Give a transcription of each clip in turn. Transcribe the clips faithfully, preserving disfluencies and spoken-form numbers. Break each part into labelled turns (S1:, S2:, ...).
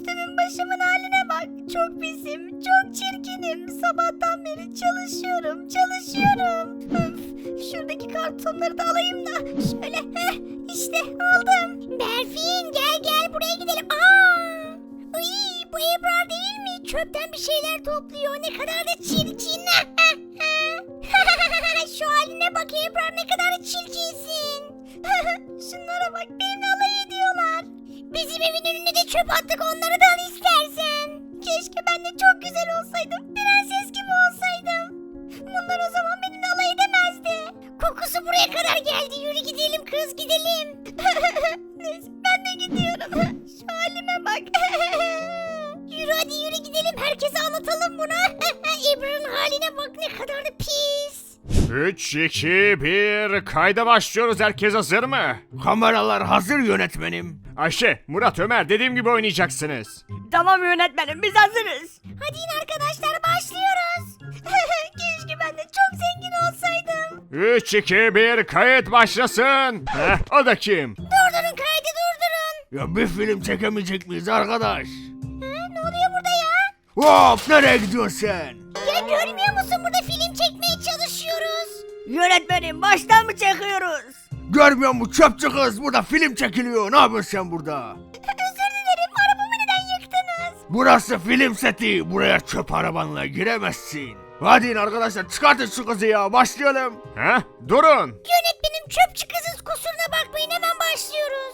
S1: üstümün başımın haline bak. Çok pisim, çok çirkinim. Sabahtan beri çalışıyorum, çalışıyorum. Öf, şuradaki kartonları da alayım da. Şöyle, heh, işte aldım. Berfin gel gel buraya gidelim. Aa! Uy, bu Ebrar değil mi? Çöpten bir şeyler topluyor. Ne kadar da çirkin. Şu haline bak Ebrar, ne kadar da çirkinsin. Şunlara bak, benimle alay ediyorlar. Bizim evin önüne de çöp attık, onları da al istersen. Keşke ben de çok güzel olsaydım. Prenses gibi olsaydım. Bunlar o zaman benimle alay edemezdi. Kokusu buraya kadar geldi. Yürü gidelim kız, gidelim. Neyse ben de gidiyorum. Şu halime bak. Yürü hadi yürü gidelim. Herkese anlatalım bunu. Ebrar'ın haline bak, ne kadar da pis.
S2: üç, iki, bir, kayda başlıyoruz. Herkes hazır mı? Kameralar hazır yönetmenim. Ayşe, Murat, Ömer dediğim gibi oynayacaksınız.
S1: Tamam yönetmenim, biz hazırız. Hadi yine arkadaşlar, başlıyoruz. Keşke ben de çok zengin olsaydım.
S2: üç, iki, bir, kayıt başlasın. Heh, o da kim?
S1: Durdurun kaydı, durdurun.
S2: Ya bir film çekemeyecek miyiz arkadaş?
S1: Ha, ne oluyor burada ya?
S2: Hop, nereye gidiyorsun sen?
S1: Ya görmüyor musun, burada film çekmeye çalışıyoruz. Yönetmenim, baştan mı çekiyoruz?
S2: Görmüyor musun çöpçü kız? Burada film çekiliyor. Ne yapıyorsun sen burada?
S1: Özür dilerim, arabamı neden yıktınız?
S2: Burası film seti. Buraya çöp arabanla giremezsin. Hadi in arkadaşlar, çıkartın şu kızı ya. Başlayalım. Heh, durun.
S1: Yönetmenim, çöpçü kızız, kusuruna bakmayın, hemen başlıyoruz.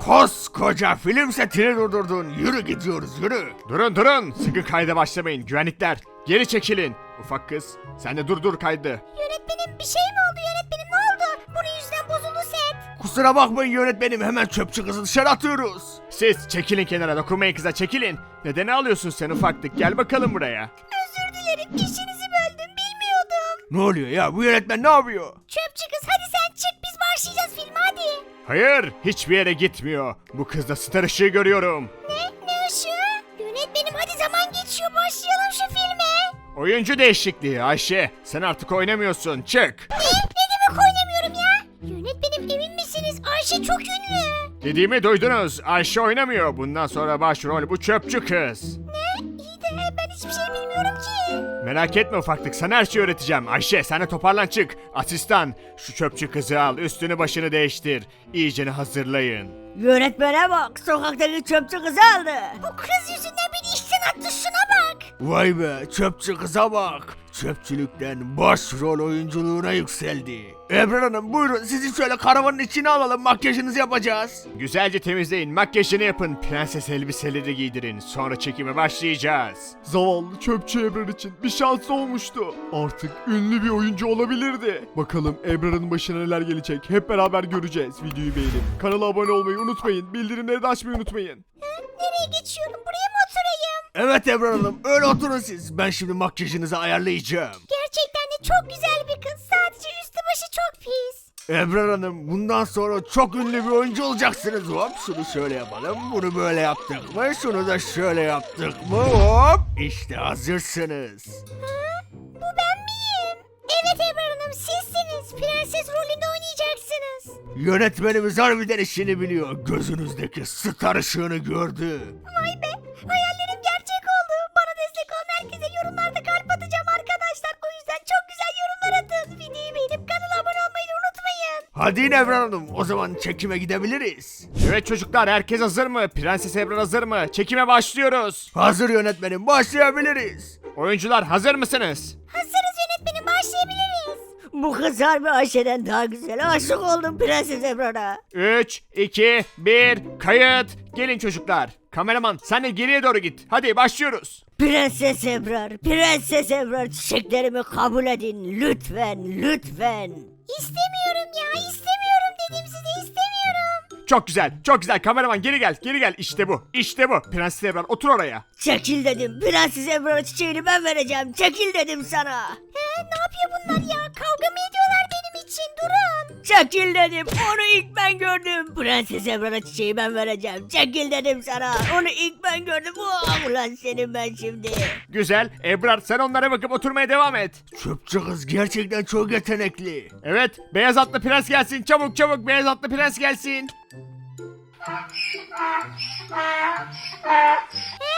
S2: Koskoca film setini durdurdun. Yürü gidiyoruz, yürü. Durun durun. Sıkı kayda başlamayın. Güvenlikler geri çekilin. Ufak kız, sen de durdur kaydı.
S1: Yönetmenim, bir şey mi oldu yönetmenim, ne oldu? Bunun yüzünden bozuldu set.
S2: Kusura bakmayın yönetmenim, hemen çöpçü kızı dışarı atıyoruz. Siz çekilin kenara, dokunmayın kıza, çekilin. Neden ağlıyorsun sen ufaklık? Gel bakalım buraya.
S1: Özür dilerim, işinizi böldüm, bilmiyordum.
S2: Ne oluyor ya, bu yönetmen ne yapıyor?
S1: Çöpçü kız, hadi sen çık, biz başlayacağız filme, hadi.
S2: Hayır, hiçbir yere gitmiyor. Bu kızda star ışığı görüyorum.
S1: Ne? Ne ışığı? Yönetmenim, hadi zaman geçiyor, başlayalım şu filme.
S2: Oyuncu değişikliği Ayşe. Sen artık oynamıyorsun. Çık.
S1: Ne? Ne demek oynamıyorum ya? Yönetmenim, emin misiniz? Ayşe çok ünlü.
S2: Dediğimi duydunuz. Ayşe oynamıyor. Bundan sonra başrol bu çöpçü kız.
S1: Ne? İyi de ben hiçbir şey bilmiyorum ki.
S2: Merak etme ufaklık. Sana her şeyi öğreteceğim. Ayşe sen de toparlan çık. Asistan şu çöpçü kızı al. Üstünü başını değiştir. İyicene hazırlayın.
S1: Yönetmene bak, sokaktaki çöpçü kızı aldı. Bu kız yüzünden beni işten attı, şuna bak.
S2: Vay be, çöpçü kıza bak. Çöpçülükten başrol oyunculuğuna yükseldi. Ebrar Hanım buyurun, sizi şöyle karavanın içine alalım, makyajınızı yapacağız. Güzelce temizleyin, makyajını yapın, prenses elbiseleri giydirin, sonra çekime başlayacağız.
S3: Zavallı çöpçü Ebrar için bir şans olmuştu. Artık ünlü bir oyuncu olabilirdi. Bakalım Ebrar'ın başına neler gelecek, hep beraber göreceğiz. Videoyu beğenip kanala abone olmayı unutmayın, bildirimleri de açmayı unutmayın.
S1: Nereye geçiyorum? Buraya mı oturayım?
S2: Evet Ebrar Hanım, öyle oturun siz. Ben şimdi makyajınızı ayarlayacağım.
S1: Gerçekten de çok güzel bir kız. Sadece üstü başı çok pis.
S2: Ebrar Hanım, bundan sonra çok ünlü bir oyuncu olacaksınız. Hop, şunu şöyle yapalım, bunu böyle yaptık mı, şunu da şöyle yaptık mı, hop. İşte hazırsınız.
S1: Ha? Bu ben miyim? Evet Ebrar Hanım, sizsiniz. Prenses rolünde oynayacaksınız.
S2: Yönetmenimiz harbiden işini biliyor. Gözünüzdeki star ışığını gördü.
S1: Vay be, hayallerim gerçek oldu. Bana destek olan herkese yorumlarda kalp atacağım arkadaşlar. O yüzden çok güzel yorumlar atın. Videoyu beğenip kanala abone olmayı da unutmayın.
S2: Hadi yine Ebrar Hanım, o zaman çekime gidebiliriz. Evet çocuklar, herkes hazır mı? Prenses Ebrar hazır mı? Çekime başlıyoruz. Hazır yönetmenim, başlayabiliriz. Oyuncular hazır mısınız?
S1: Hazırız yönetmenim, başlayabiliriz. Bu kız harbi Ayşe'den daha güzel. Aşık oldum Prenses Ebrar'a.
S2: üç, iki, bir, kayıt. Gelin çocuklar. Kameraman sen de geriye doğru git. Hadi başlıyoruz.
S1: Prenses Ebrar, Prenses Ebrar, çiçeklerimi kabul edin lütfen, lütfen. İstemiyorum ya, istemiyorum dedim size, istemiyorum.
S2: Çok güzel, çok güzel. Kameraman geri gel, geri gel. İşte bu, işte bu. Prenses Ebrar otur oraya.
S1: Çekil dedim, Prenses Ebrar'a çiçeğini ben vereceğim, çekil dedim sana. He, ne yapıyor bunlar ya, kavga mı ediyorlar benim için, durun. Çekil dedim, onu ilk ben gördüm. Prenses Ebrar'a çiçeği ben vereceğim, çekil dedim sana. Onu ilk ben gördüm, oh, ulan senin ben şimdi.
S2: Güzel. Ebrar sen onlara bakıp oturmaya devam et. Çöpçü kız gerçekten çok yetenekli. Evet, beyaz atlı prens gelsin. Çabuk çabuk beyaz atlı prens gelsin.
S1: He,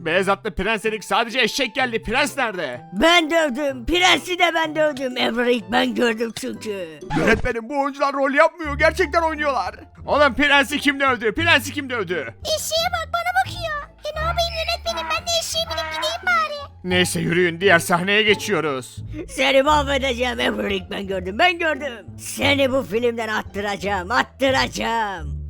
S2: beyaz atlı prens dedik, sadece eşek geldi. Prens nerede?
S4: Ben dövdüm. Prensi de ben dövdüm. Ebrar'ı ilk ben gördüm çünkü.
S2: Yönetmenim, bu oyuncular rol yapmıyor, gerçekten oynuyorlar. Oğlum prensi kim dövdü? Prensi kim dövdü?
S1: Eşeğe bak, bana bakıyor. E ne yapayım yönetmenim, ben de eşeğe binip gideyim bari.
S2: Neyse yürüyün, diğer sahneye geçiyoruz.
S4: Seni mahvedeceğim Ebrar'ı ilk ben gördüm. Ben gördüm. Seni bu filmden attıracağım. Attıracağım.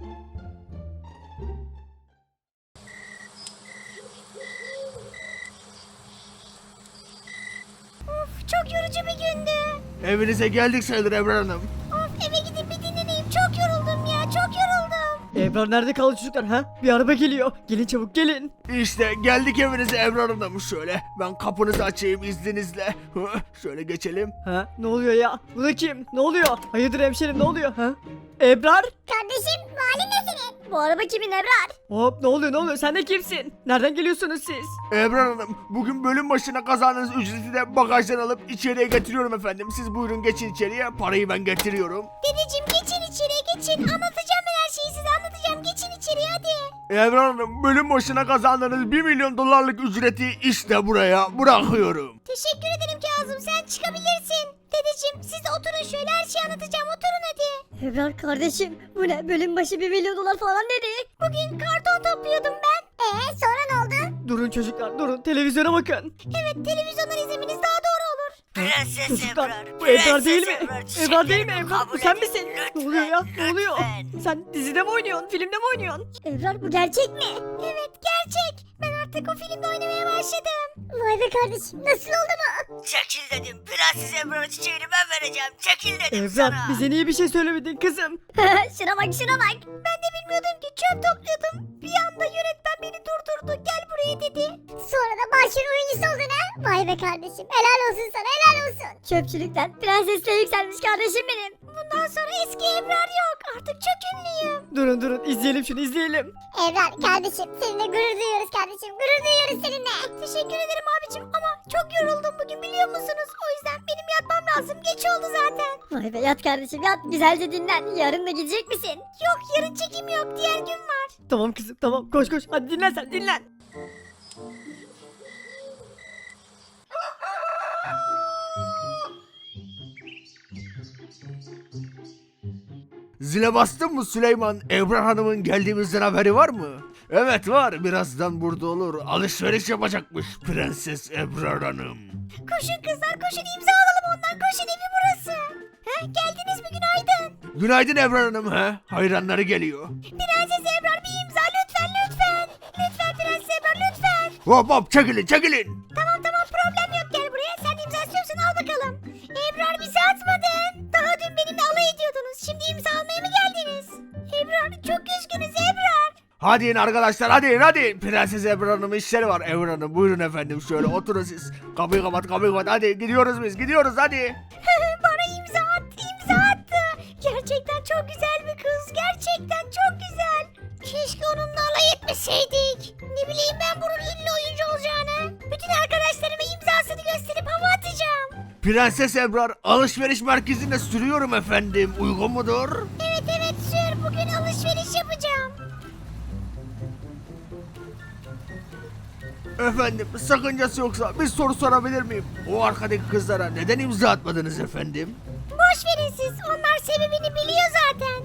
S1: Of, çok yorucu bir gündü.
S2: Evinize geldik sayılır Ebrar Hanım.
S1: Of, eve gidip bir dinleneyim. Çok yoruldum ya, çok yoruldum.
S5: Ebrar nerede kaldı çocuklar ha? Bir araba geliyor. Gelin çabuk gelin.
S2: İşte geldik evinize Ebrar Hanım. Şöyle ben kapınızı açayım izninizle. Şöyle geçelim.
S5: Ha? Ne oluyor ya? Bu da kim? Ne oluyor? Hayırdır hemşerim ne oluyor ha? Ebrar?
S1: Kardeşim, bu halin ne senin? Bu araba kimin Ebrar?
S5: Hop ne oluyor ne oluyor? Sen de kimsin? Nereden geliyorsunuz siz?
S2: Ebrar Hanım, bugün bölüm başına kazandığınız ücreti de bagajdan alıp içeriye getiriyorum efendim. Siz buyurun geçin içeriye, parayı ben getiriyorum.
S1: Dedeciğim, geçin içeriye geçin. Anlatacağım ben her şeyi size, anlatacağım. Geçin içeriye hadi.
S2: Ebrar Hanım, bölüm başına kazandığınız bir milyon dolarlık ücreti işte buraya bırakıyorum.
S1: Teşekkür ederim Kazım, sen çıkabilirsin. Dedeciğim, siz oturun şöyle, her şeyi anlatacağım, oturun hadi.
S6: Ebrar kardeşim bu ne bölüm başı bir milyon dolar falan dedi.
S1: Bugün karton topluyordum ben. Ee sonra ne oldu?
S5: Durun çocuklar durun. Televizyona bakın.
S1: Evet, televizyondan izlemeniz daha doğru olur.
S4: Prenses
S5: Çocuklar
S4: Ebrar.
S5: bu Ebrar
S4: Prenses
S5: değil mi?
S4: Ebrar,
S5: Ebrar değil mi
S4: çiçeklerimi
S5: Ebrar? Bu
S4: kabul
S5: sen
S4: edin.
S5: misin?
S4: Lütfen,
S5: Ne oluyor ya? Ne oluyor?
S4: lütfen.
S5: Sen dizide mi oynuyorsun? Filmde mi oynuyorsun?
S6: Ebrar bu gerçek mi?
S1: Evet, gerçek. Ben artık o filmde oynamaya başladım.
S6: Vay be kardeşim nasıl oldu mu?
S4: Çekil dedim. Prenses Ebrar'ın çiçeğini ben vereceğim. Çekil dedim
S5: Ebrar
S4: sana.
S5: bize niye bir şey söylemedin kızım?
S6: şuna bak şuna bak.
S1: Ben de bilmiyordum ki, çöp topluyordum. Bir anda yönetmen beni durdurdu. Gel buraya dedi.
S6: Sonra da başrol oyuncusu oldun ha? Vay be kardeşim helal olsun sana helal olsun. Çöpçülükten prensesle yükselmiş kardeşim benim.
S1: Bundan sonra eski Ebrar yok. Artık çok ünlüyüm.
S5: Durun durun izleyelim şunu izleyelim.
S6: Ebrar kardeşim seninle gurur duyuyoruz kardeşim gurur duyuyoruz seninle.
S1: Teşekkür ederim abicim ama çok yoruldum bugün, biliyor musunuz? O yüzden benim yatmam lazım. Geç oldu zaten.
S6: Vay be yat kardeşim yat güzelce dinlen yarın da gidecek misin?
S1: Yok, yarın çekim yok. Diğer gün var.
S5: Tamam kızım tamam koş koş hadi dinlen sen dinlen.
S2: Zile bastın mı Süleyman? Ebrar Hanım'ın geldiğimizden haberi var mı? Evet var, birazdan burada olur. Alışveriş yapacakmış Prenses Ebrar Hanım.
S1: Koşun kızlar, koşun, imza alalım ondan. Koşun, evi burası. He, geldiniz mi? Günaydın.
S2: Günaydın Ebrar Hanım he. Hayranları geliyor.
S1: Prenses Ebrar, bir imza lütfen lütfen. Lütfen Prenses Ebrar, lütfen.
S2: Hop hop çekilin çekilin.
S1: Tamam tamam, problem yok, gel buraya. Sen imza istiyorsan al bakalım. Ebrar, bizi atmadın. Daha dün benimle alay ediyordunuz. Şimdi imza almaya mı geldiniz? Ebrar, çok üzgünüz Ebrar.
S2: Hadi in arkadaşlar, hadi in hadi. Prenses Ebrar Hanım'ın işleri var. Ebrar Hanım buyurun efendim, şöyle oturun siz. Kapıyı kapat kapıyı kapat, hadi gidiyoruz biz gidiyoruz hadi.
S1: Bana imza attı, imza attı. Gerçekten çok güzel bir kız. Gerçekten çok güzel. Keşke onunla alay etmeseydik. Ne bileyim ben bunun ünlü oyuncu olacağını. Bütün arkadaşlarıma imzasını gösterip hava atacağım.
S2: Prenses Ebrar, alışveriş merkezinde sürüyorum efendim. Uygun mudur?
S1: Evet evet sür, bugün alışveriş yapacağım.
S2: Efendim sakıncası yoksa bir soru sorabilir miyim? O arkadaki kızlara neden imza atmadınız efendim?
S1: Boş verin siz, onlar sebebini biliyor zaten.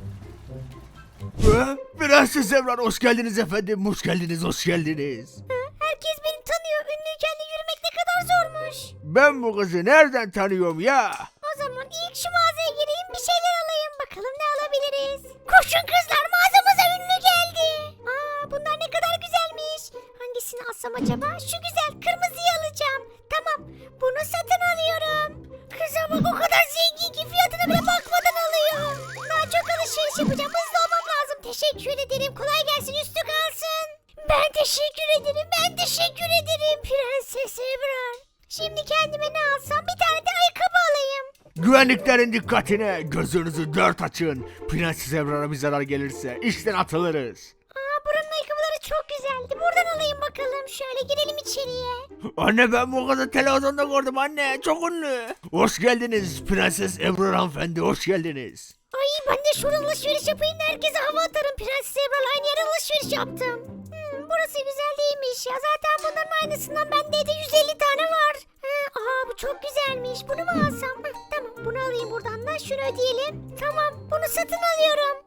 S2: Ee, Prenses Ebrar hoş geldiniz efendim. Hoş geldiniz hoş geldiniz.
S1: Hı, herkes beni tanıyor. Ünlüyken de yürümek ne kadar zormuş.
S2: Ben bu kızı nereden tanıyorum ya?
S1: O zaman ilk şu mağazaya gireyim, bir şeyler alayım. Bakalım ne alabiliriz. Koşun kızlar, mağazamıza ünlü geldi. Aa, bunlar ne kadar güzelmiş. Hangisini alsam acaba? Şu güzel, kırmızıyı alacağım. Tamam, bunu satın alıyorum. Kıza bak, o kadar zengin ki fiyatına bile bakmadan alıyor. Daha çok alışveriş yapacağım, hızlı olmam lazım. Teşekkür ederim, kolay gelsin, üstü kalsın. Ben teşekkür ederim, ben teşekkür ederim Prenses Ebrar. Şimdi kendime ne alsam, bir tane de ayakkabı alayım.
S2: Güvenliklerin dikkatine, gözünüzü dört açın. Prenses Ebrar'a bir zarar gelirse işten atılırız.
S1: Aa, buranın ayakkabıları çok güzeldi. Buradan alayım bakalım. Şöyle girelim içeriye.
S2: Anne ben bu kızı televizyonda gördüm anne, çok ünlü. Hoş geldiniz Prenses Ebrar hanımefendi, hoş geldiniz.
S1: Ay, ben de şuradan alışveriş yapayım da herkese hava atarım. Prenses Ebrar'la aynı yere alışveriş yaptım. Hmm, burası burası güzel değilmiş ya. Zaten bunların aynısından bende de yüz elli tane var. Ha, aha bu çok güzelmiş. Bunu mu alsam? Hı, tamam bunu alayım buradan da. Şunu ödeyelim. Tamam bunu satın alıyorum.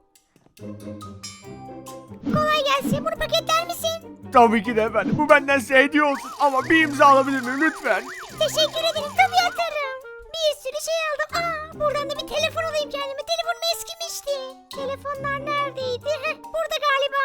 S1: Kolay gelsin. Bunu paketler misin?
S2: Tabii ki de efendim. Bu benden size hediye olsun ama bir imza alabilir miyim lütfen?
S1: Teşekkür ederim. Tabii atarım. Bir sürü şey aldım. Aa, buradan da bir telefon alayım kendime. Telefonum eskimişti. Telefonlar neredeydi? Heh, burada galiba.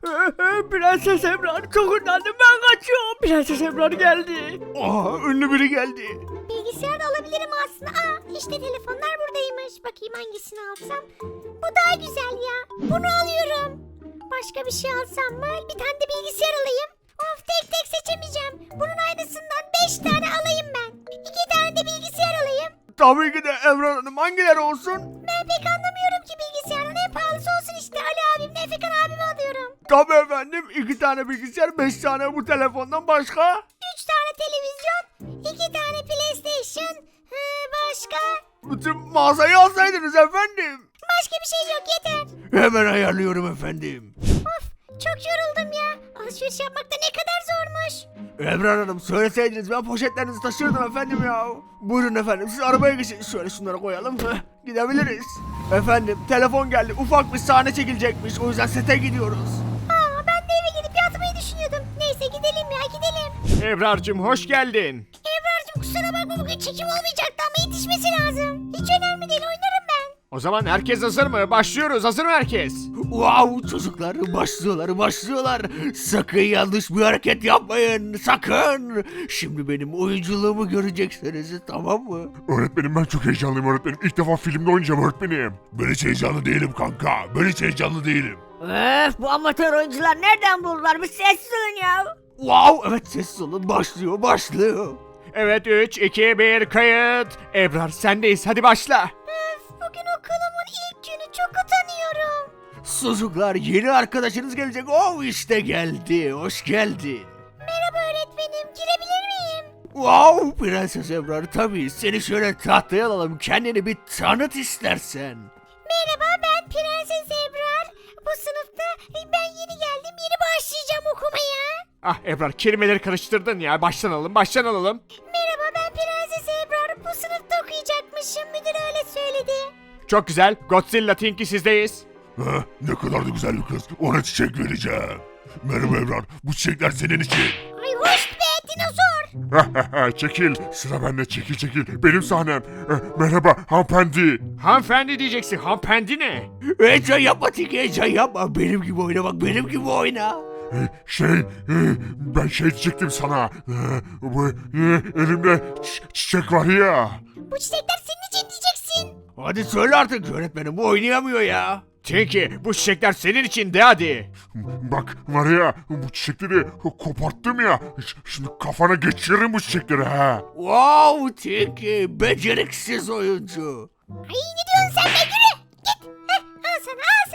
S5: Prenses Ebrar çok utandım ben kaçıyorum. Prenses Ebrar geldi.
S2: Aa, ünlü biri geldi.
S1: Bilgisayar da alabilirim aslında. Aa, işte telefonlar buradaymış. Bakayım hangisini alsam. Bu daha güzel ya. Bunu alıyorum. Başka bir şey alsam mı? Bir tane de bilgisayar alayım. Of tek tek seçemeyeceğim. Bunun aynısından beş tane alayım ben. iki tane de bilgisayar alayım.
S2: Tabii ki de Ebrar Hanım, hangileri olsun?
S1: Ben pek anlamıyorum ki bilgisayarın. En pahalısı olsun işte. Ali abimle Efekan abimi alıyorum.
S2: Tabii efendim, iki tane bilgisayar, beş tane bu telefondan başka?
S1: Üç tane televizyon. iki tane PlayStation. Hı, başka?
S2: Bütün mağazayı alsaydınız efendim.
S1: Başka bir şey yok yeter.
S2: Hemen ayarlıyorum efendim.
S1: Of çok yoruldum ya. Alışveriş yapmak da ne kadar zormuş.
S2: Ebrar Hanım, söyleseydiniz ben poşetlerinizi taşırdım efendim ya. Buyurun efendim, siz arabaya geçin. Şöyle şunları koyalım. Heh, gidebiliriz. Efendim, telefon geldi. Ufak bir sahne çekilecekmiş. O yüzden sete gidiyoruz.
S1: Aa ben de eve gidip yatmayı düşünüyordum. Neyse gidelim ya gidelim.
S2: Ebrar'cığım hoş geldin.
S1: Ebrar'cığım kusura bakma bugün çekim olmayacaktı ama yetişmesi lazım. Hiç önemli değil oynarım ben.
S2: O zaman herkes hazır mı? Başlıyoruz. Hazır mı herkes? Wow, çocuklar başlıyorlar, başlıyorlar. Sakın yanlış bir hareket yapmayın. Sakın. Şimdi benim oyunculuğumu göreceksiniz, tamam mı?
S7: Öğretmenim ben çok heyecanlıyım öğretmenim. İlk defa filmde oynayacağım öğretmenim. Ben hiç heyecanlı değilim kanka. Ben hiç heyecanlı değilim.
S4: Öf bu amatör oyuncular nereden buldular? Bir sessiz olun ya.
S2: Wow, evet sessiz olun. Başlıyor, başlıyor. Evet, üç, iki, bir, kayıt. Ebrar sendeyiz. Hadi başla.
S1: Öf bugün okulumun ilk günü çok utanıyorum.
S2: Çocuklar, yeni arkadaşınız gelecek. Oh, işte geldi. Hoş geldin.
S1: Merhaba öğretmenim girebilir miyim?
S2: Wow, Prenses Ebrar, tabii. Seni şöyle tahtaya alalım. Kendini bir tanıt istersen.
S1: Merhaba ben Prenses Ebrar. Bu sınıfta ben yeni geldim yeni başlayacağım okumaya.
S2: Ah Ebrar, kelimeleri karıştırdın ya. Baştan alalım, baştan alalım.
S1: Merhaba ben Prenses Ebrar. Bu sınıfta okuyacakmışım. Müdür öyle söyledi.
S2: Çok güzel. Godzilla Tinky sizdeyiz.
S7: Ha, ne kadar da güzel bir kız. Ona çiçek vereceğim. Merhaba Ebrar. Bu çiçekler senin için.
S1: Ay hoş be dinozor.
S7: Çekil. Sıra bende. Çekil çekil. Benim sahnem. Eh, merhaba hanımefendi.
S2: Hanımefendi diyeceksin. Hanımefendi ne? Heyecan yapma Tinky, heyecan yapma. Benim gibi oyna bak, benim gibi oyna.
S7: Eh, Şey, eh, ben şey diyecektim sana. Eh, Bu eh, elimde çi- çiçek var ya.
S1: Bu çiçekler senin için diyeceksin.
S2: Hadi söyle artık, öğretmenim bu oynayamıyor ya. Tinky, bu çiçekler senin için de hadi.
S7: Bak var ya bu çiçekleri koparttım ya. Ş- Şimdi kafana geçiririm bu çiçekleri ha.
S2: Wow Tinky, beceriksiz oyuncu.
S1: Ay ne diyorsun sen be yürü. Git. Heh, al sana al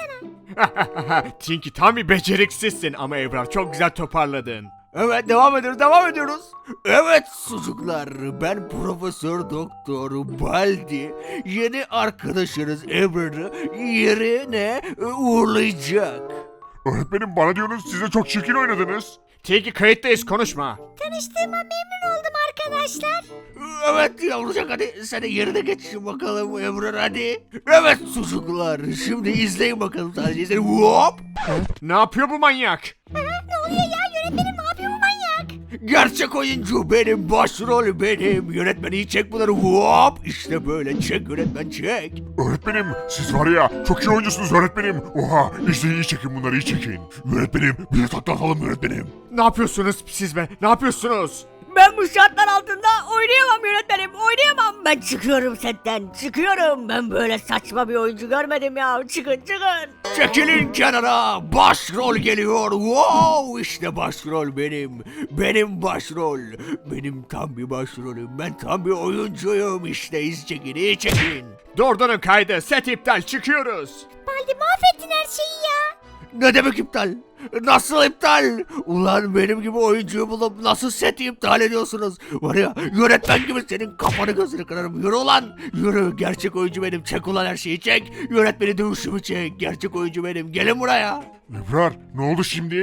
S1: sana.
S2: Tinky tam bir beceriksizsin ama Ebrar çok güzel toparladın. Evet devam ediyoruz devam ediyoruz. Evet çocuklar, ben Profesör Doktor Baldi yeni arkadaşınız Ebrar'ı yerine uğurlayacak.
S7: Öğretmenim bana diyorsunuz siz de çok çirkin oynadınız.
S2: Tinky kayıttayız, konuşma.
S1: Tanıştığıma memnun oldum arkadaşlar.
S2: Evet yavrucak, hadi sen de yerine geç bakalım Ebrar hadi. Evet çocuklar, şimdi izleyin bakalım, sadece izleyin. Hop. Ne yapıyor bu manyak?
S1: Ha, ne oluyor ya yönetmenim ne yapıyor bu manyak?
S2: Gerçek oyuncu benim, başrol benim. Yönetmen iyi çek bunları, hop. İşte böyle çek yönetmen çek.
S7: Öğretmenim siz var ya çok iyi oyuncusunuz öğretmenim. Oha işte iyi çekin bunları iyi çekin. Öğretmenim bir de takla atalım öğretmenim.
S2: Ne yapıyorsunuz siz be, ne yapıyorsunuz?
S4: Ben bu şartlar altında oynayamam yönetmenim oynayamam. Ben çıkıyorum setten çıkıyorum. Ben böyle saçma bir oyuncu görmedim ya. Çıkın çıkın.
S2: Çekilin kenara, başrol geliyor. Wow, işte başrol benim. Benim başrol. Benim tam bir başrolüm. Ben tam bir oyuncuyum. İşte iz çekin, iyi çekin. Durdurun kaydı, set iptal, çıkıyoruz.
S1: Baldi mahvettin her şeyi ya.
S2: Ne demek iptal? Nasıl iptal? Ulan benim gibi oyuncuyu bulup nasıl seti iptal ediyorsunuz? Var ya yönetmen gibi senin kafanı gözünü kırarım. Yürü ulan. Yürü, gerçek oyuncu benim. Çek ulan her şeyi çek. Yönetmeni dövüşümü çek. Gerçek oyuncu benim. Gelin buraya.
S7: Ebrar ne oldu şimdi?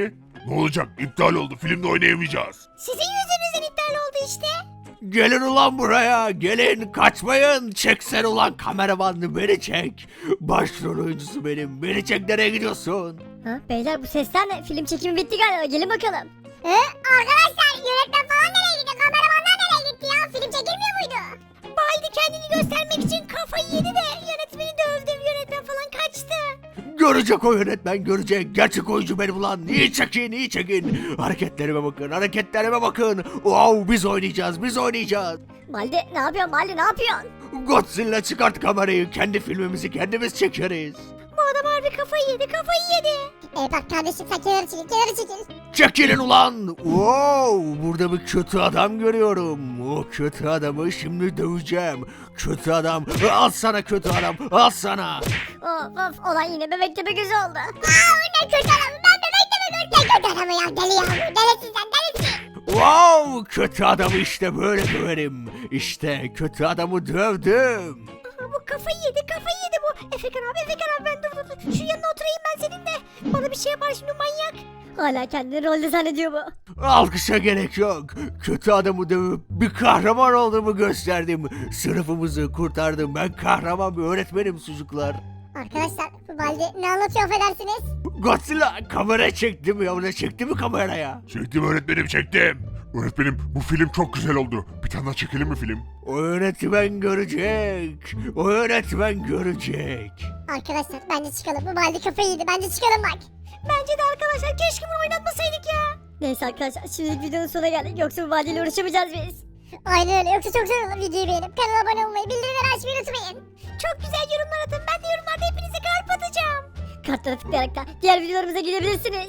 S7: Ne olacak? İptal oldu. Filmde oynayamayacağız.
S1: Sizin yüzünüzden iptal oldu işte.
S2: Gelin ulan buraya, gelin, kaçmayın. Çeksen ulan kameraman, beni çek. Başrol oyuncusu benim, beni çek, nereye gidiyorsun?
S6: Ha, beyler bu sesler ne? Film çekimi bitti galiba. Gelin bakalım. He? Arkadaşlar yönetmen falan nereye gitti? Kameramanlar nereye gitti ya? Film çekilmiyor muydu?
S1: Baldi kendini göstermek için kafayı yedi de yönetmeni dövdü. Yönetmen falan kaçtı.
S2: Görecek o yönetmen, görecek. Gerçek oyuncu benim ulan. İyi çekin, iyi çekin. Hareketlerime bakın, hareketlerime bakın. Wow, biz oynayacağız, biz oynayacağız.
S6: Baldi ne yapıyorsun Baldi ne yapıyorsun?
S2: Godzilla, çıkart kamerayı. Kendi filmimizi kendimiz çekeriz.
S1: Bu adam harbi kafayı yedi, kafayı yedi.
S6: E bak kardeşim sen kenara çekil kenara çekil.
S2: Çekilin ulan. Wow, burada bir kötü adam görüyorum. O kötü adamı şimdi döveceğim. Kötü adam, al sana kötü adam, al sana.
S6: Of of olan yine bebek tepe gözü oldu. Aa ne kötü adamı ben bebek tepe gözü. Ne kötü adamı ya deli ya bu delisin sen delisin.
S2: Wow, kötü adamı işte böyle döverim. İşte kötü adamı dövdüm.
S1: Aha, bu kafayı yedi, kafayı yedi bu. Efekan abi, Efekan abi ben dur dur dur. Şu yanına oturayım ben seninle. Bana bir şey yapar şimdi manyak.
S6: Hala kendini rolde zannediyor bu.
S2: Alkışa gerek yok. Kötü adamı dövüp bir kahraman olduğumu gösterdim. Sınıfımızı kurtardım. Ben kahraman bir öğretmenim çocuklar.
S6: Arkadaşlar bu Baldi ne anlatıyor affedersiniz?
S2: Godzilla, kamera çekti mi ya? Çekti mi kameraya?
S7: Çektim öğretmenim, çektim. Öğretmenim, bu film çok güzel oldu. Bir tane daha çekelim mi film?
S2: O öğretmen görecek. O öğretmen görecek.
S6: Arkadaşlar bence çıkalım bu Baldi kafayı yedi bence çıkalım bak.
S1: Bence de arkadaşlar keşke bunu oynatmasaydık ya.
S6: Neyse arkadaşlar şimdilik videonun sonuna geldik yoksa bu Baldi ile uğraşamayacağız biz. Aynen öyle yoksa çok zor olur videoyu beğenip kanala abone olmayı bildirimleri açmayı unutmayın.
S1: Çok güzel yorumlar atın. Ben de yorumlarda hepinize kalp atacağım.
S6: Kartlara tıklayarak da diğer videolarımıza gidebilirsiniz.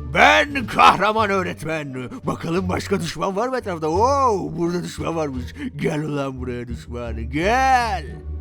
S2: Ben kahraman öğretmen. Bakalım başka düşman var mı etrafta? Oo, burada düşman varmış. Gel ulan buraya düşman. Gel.